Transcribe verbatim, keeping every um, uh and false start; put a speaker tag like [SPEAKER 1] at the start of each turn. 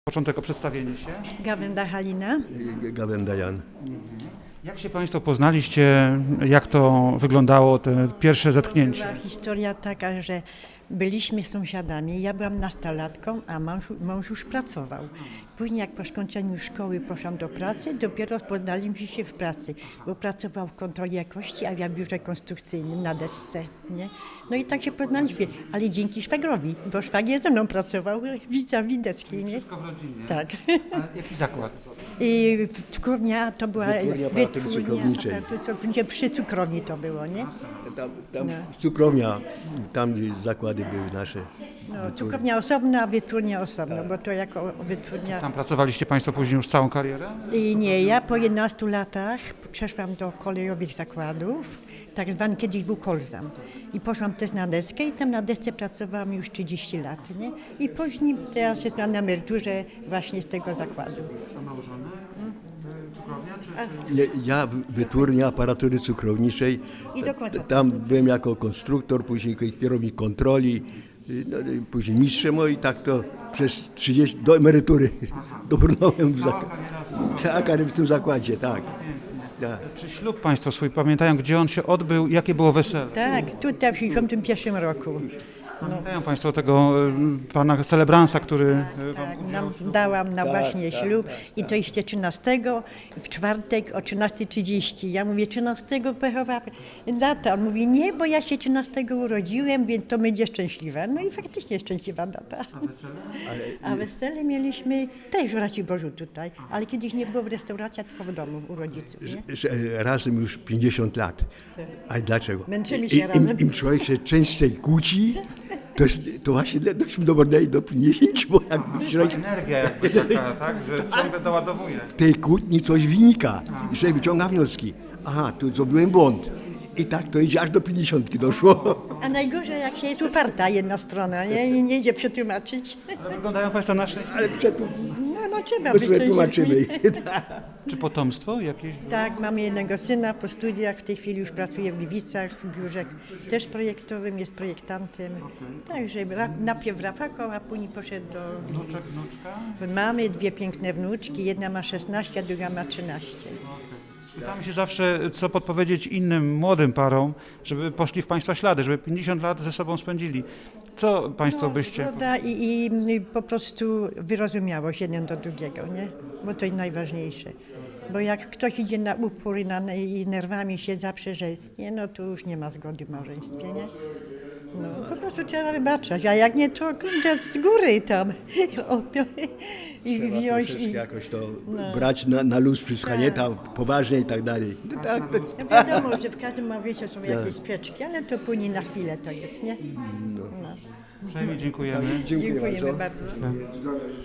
[SPEAKER 1] Początek o przedstawienie się.
[SPEAKER 2] Gawenda Halina.
[SPEAKER 3] Gawenda Jan.
[SPEAKER 1] Jak się Państwo poznaliście? Jak to wyglądało, te pierwsze zetknięcie?
[SPEAKER 2] Była historia taka, że byliśmy sąsiadami. Ja byłam nastolatką, a mąż, mąż już pracował. Później jak po skończeniu szkoły poszłam do pracy, dopiero poznaliśmy się w pracy, bo pracował w kontroli jakości, a ja w biurze konstrukcyjnym na desce. Nie? No i tak się poznaliśmy, ale dzięki szwagrowi, bo szwagier ze mną pracował, widza Wideckiej. Nie?
[SPEAKER 1] Wszystko w rodzinie.
[SPEAKER 2] Tak.
[SPEAKER 1] A jaki zakład?
[SPEAKER 2] I cukrownia to była
[SPEAKER 3] Wytwórnia aparatury cukrowniczej.
[SPEAKER 2] aparatury cukrowniczej. Przy cukrowni to było, nie?
[SPEAKER 3] Tam, tam
[SPEAKER 2] No.
[SPEAKER 3] cukrownia, tam zakłady były nasze.
[SPEAKER 2] No, cukrownia osobna, a wytwórnia osobno, bo to jako wytwórnia...
[SPEAKER 1] Tam pracowaliście Państwo później już całą karierę?
[SPEAKER 2] I nie, ja po jedenastu latach przeszłam do kolejowych zakładów, tak zwany kiedyś był Kolzam. I poszłam też na deskę i tam na desce pracowałam już trzydzieści lat, nie? I później teraz jestem na emeryturze właśnie z tego zakładu.
[SPEAKER 1] Nałożone? Cukrownia czy...
[SPEAKER 3] Nie, ja w- wytwórnia aparatury cukrowniczej.
[SPEAKER 2] I do końca.
[SPEAKER 3] Tam byłem jako konstruktor, później kierownik kontroli, y, no, y, później mistrzem, no i tak to przez trzydzieści, do emerytury dobrnąłem w, zak- cała kariera w tym zakładzie, tak. tak.
[SPEAKER 1] Czy ślub Państwo swój pamiętają, gdzie on się odbył i jakie było wesele?
[SPEAKER 2] Tak, tutaj w tysiąc dziewięćdziesiątym pierwszym roku.
[SPEAKER 1] Pamiętają Państwo tego y, pana celebransa, który y, wam
[SPEAKER 2] Tak,
[SPEAKER 1] udział
[SPEAKER 2] nam, dałam na
[SPEAKER 3] Tak,
[SPEAKER 2] właśnie
[SPEAKER 3] tak,
[SPEAKER 2] ślub
[SPEAKER 3] tak,
[SPEAKER 2] i to jeszcze trzynastego w czwartek o trzynasta trzydzieści. Ja mówię, trzynastego pechowa data. On mówi, nie, bo ja się trzynastego urodziłem, więc to będzie szczęśliwa. No i faktycznie szczęśliwa data. A wesele mieliśmy też w Raciborzu tutaj, ale kiedyś nie było w restauracji, tylko w domu u rodziców. Nie?
[SPEAKER 3] Że razem już pięćdziesiąt lat. A dlaczego?
[SPEAKER 2] Męczymy się
[SPEAKER 3] I, im,
[SPEAKER 2] razem.
[SPEAKER 3] Im człowiek się częściej kłóci, to, jest, to właśnie dość do bordeli do pięćdziesięciu, bo jakby człowiek
[SPEAKER 1] energia jakby taka, tak, że ciągle doładowuje.
[SPEAKER 3] w tej kłótni coś wynika i człowiek wyciąga wnioski. Aha, tu zrobiłem błąd. I tak to idzie aż do pięćdziesiątki doszło.
[SPEAKER 2] A najgorzej, jak się jest uparta jedna strona, nie? I nie idzie przetłumaczyć.
[SPEAKER 1] Ale wyglądają Państwo na szczęście.
[SPEAKER 3] Ale przetu,
[SPEAKER 2] No, no trzeba
[SPEAKER 3] my
[SPEAKER 2] być
[SPEAKER 3] sobie
[SPEAKER 2] szczęśliwym.
[SPEAKER 3] tłumaczymy.
[SPEAKER 1] Czy potomstwo jakieś?
[SPEAKER 2] Tak, mamy jednego syna po studiach, w tej chwili już pracuje w Gliwicach, w biurze też projektowym, jest projektantem. Także ra- najpierw w Rafaku, a później poszedł do
[SPEAKER 1] Wnuczek,
[SPEAKER 2] Gliwic.
[SPEAKER 1] wnuczka?
[SPEAKER 2] Mamy dwie piękne wnuczki, jedna ma szesnaście, a druga ma trzynaście.
[SPEAKER 1] Pytamy się zawsze, co podpowiedzieć innym młodym parom, żeby poszli w Państwa ślady, żeby pięćdziesiąt lat ze sobą spędzili. Co Państwo byście...
[SPEAKER 2] Zgoda i, i, i po prostu wyrozumiałość jeden do drugiego, nie? Bo to jest najważniejsze. Bo jak ktoś idzie na upór i, na, i nerwami się zaprze, że nie, no to już nie ma zgody w małżeństwie, nie? No, po prostu trzeba wybaczać, a jak nie, to kurde, z góry tam o, i
[SPEAKER 3] Trzeba
[SPEAKER 2] wziąć
[SPEAKER 3] troszeczkę
[SPEAKER 2] i...
[SPEAKER 3] jakoś to brać na, na luz, wszystko nie tam poważnie i tak dalej. No tak, tak.
[SPEAKER 2] No wiadomo, że w każdym małżeństwie są jakieś sprzeczki, ale to później na chwilę to jest, nie? No.
[SPEAKER 1] Uprzejmie dziękujemy.
[SPEAKER 3] Dziękuję
[SPEAKER 2] Dziękujemy
[SPEAKER 3] bardzo.
[SPEAKER 2] bardzo.